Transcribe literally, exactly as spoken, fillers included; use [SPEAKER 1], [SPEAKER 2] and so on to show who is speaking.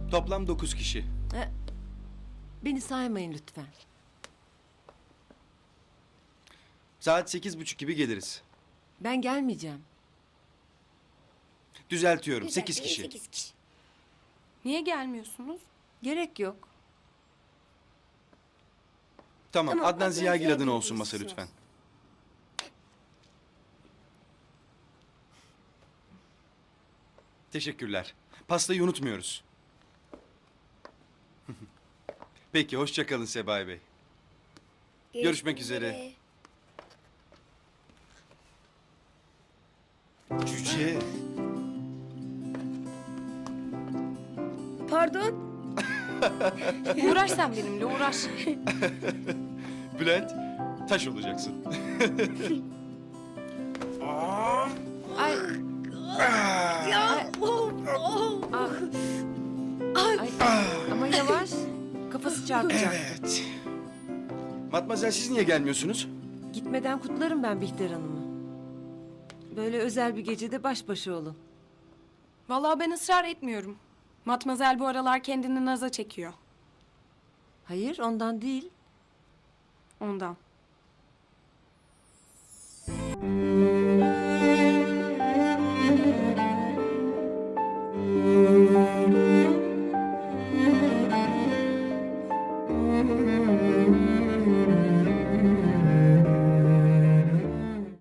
[SPEAKER 1] Toplam dokuz kişi.
[SPEAKER 2] E, beni saymayın lütfen.
[SPEAKER 1] Saat sekiz buçuk gibi geliriz.
[SPEAKER 2] Ben gelmeyeceğim.
[SPEAKER 1] Düzeltiyorum,
[SPEAKER 3] Güzel,
[SPEAKER 1] sekiz
[SPEAKER 3] iyi,
[SPEAKER 1] kişi.
[SPEAKER 3] sekiz kişi.
[SPEAKER 4] Niye gelmiyorsunuz?
[SPEAKER 2] Gerek yok.
[SPEAKER 1] Tamam,
[SPEAKER 3] Tamam,
[SPEAKER 1] Adnan
[SPEAKER 3] Adnan
[SPEAKER 1] Ziyagil
[SPEAKER 3] Ziyagil
[SPEAKER 1] adına olsun
[SPEAKER 3] olsun.
[SPEAKER 1] masa lütfen. Teşekkürler. Pastayı unutmuyoruz. Peki, hoşça kalın Sebahi Bey. Görüşmek üzere. Cüce.
[SPEAKER 3] Pardon.
[SPEAKER 4] Uğraş sen benimle uğraş.
[SPEAKER 1] Bülent, taş olacaksın.
[SPEAKER 2] Ay,
[SPEAKER 3] Ya. Oh, oh.
[SPEAKER 2] ay, ama yavaş. Kafası çarpacak.
[SPEAKER 1] Evet. Matmazel, siz niye gelmiyorsunuz?
[SPEAKER 2] Gitmeden kutlarım ben Bihter Hanım'ı. Böyle özel bir gecede baş başa olun.
[SPEAKER 4] Vallahi ben ısrar etmiyorum. Matmazel bu aralar kendini naza çekiyor.
[SPEAKER 2] Hayır, ondan değil.
[SPEAKER 4] Ondan.